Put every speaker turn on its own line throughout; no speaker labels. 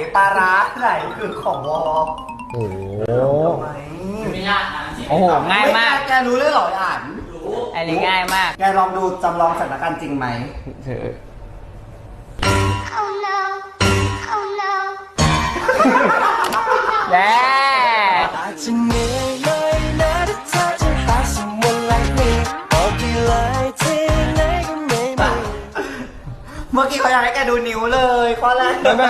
ปลาร้าไหนคือของวอ
โอ้โห
ไม่ยากนะ
โอ้โหง่ายมาก
แกรู้เลยเหรออ่าน
อันนี้ง่ายมาก
แกลองดูจำลองสถานการณ์จริงไหม
เธอ
Oh no, oh no.
แย่
เมื่อกี้เขาอยากให้แกดูนิ้วเลยข้อแรก
ไม่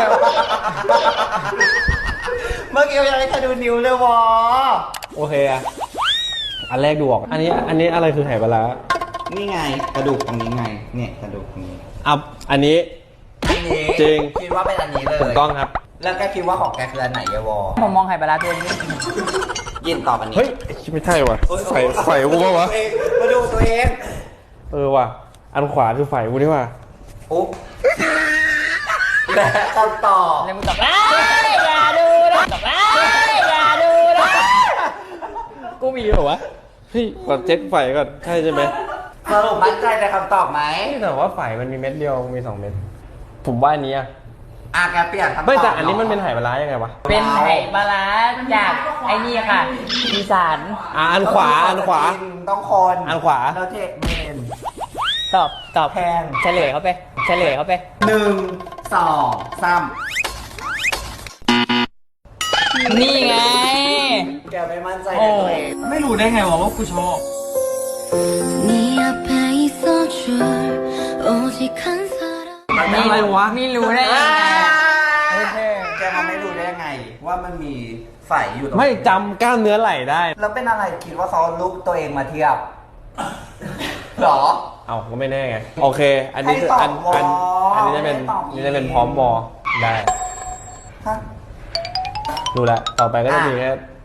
เมื่อกี้เขาอยากให้แกดูนิ้วเลยวอ
โอเคอะอันแรกดูออกอันนี้อะไรคือไหปลาร้า
นี่ไงกระดูกตรงนี้ไงเนี่ยกระดูกตรงนี้
อัอันนี้
อันนี้
จริง
คิดว่าเป็นอันนี้เลย
ถูกต้องครับ
แล้วแกคิดว่าของแกคืออันไหนเยวอ
ผมมองไข่ปลาร้าตัวนี้
ยินตอบอันนี้
เฮ้ยไม่ใช่ว่ะไฟกูปะวะ
มาดูตัวเอง
ว่ะอันขวาคือไฟกูนี่ว่ะ
อุ๊บและคำตอบ
แล้วมึงตอบอย่าดูนะตอบอย่าดูนะ
กูมีเหรอวะเฮ้ยก่อนเช็คไฟก่อนใช่ใช่ไหม
สรุปมั่นใจในคำตอบไหม
แต่ว่าไฟมันมีเม็ดเดียวมี2 เม็ดผมว่าอันนี้อะ
แกเปลี่ยนคำตอบ
ไม่แต่อันนี้มันเป็นไหปลาร้ายังไงวะ
เป็นไข่ปลาร้าจากไอ้นี่ค่ะอีสาน
อันขวา
ต้องคน
อันขวา
แล้วเทเมน
ตอบ
แพง
เฉลยเขาไป
1 2 3
นี่ไง
แกไม่มั่นใจในตัวเอง
ไม่รู้ได้ไงวะว่ากูชอบ
네 앞에 있어줄 오직 한 사람.
อะไรวะ
ไม่รู้ได้ยังไงโอเค
แกมันไม่รู้ได้ยังไง ว่ามันมีไฝอยู่ตรง
ไม่จำกล้ามเนื้อไหล่ได้
แล้วเป็นอะไรคิดว่าเขาลุกตัวเองมาเทียบหรอ
เอาก็ไม่แน่ไงโอเค อันนี้คือ
ให้ตอบ
อันนี้จะเป็น
ให้ตอบ
นี่จะเป็นพร้อมวอได้
ฮะ
ดูแลวต่อไปก็จะมีแค่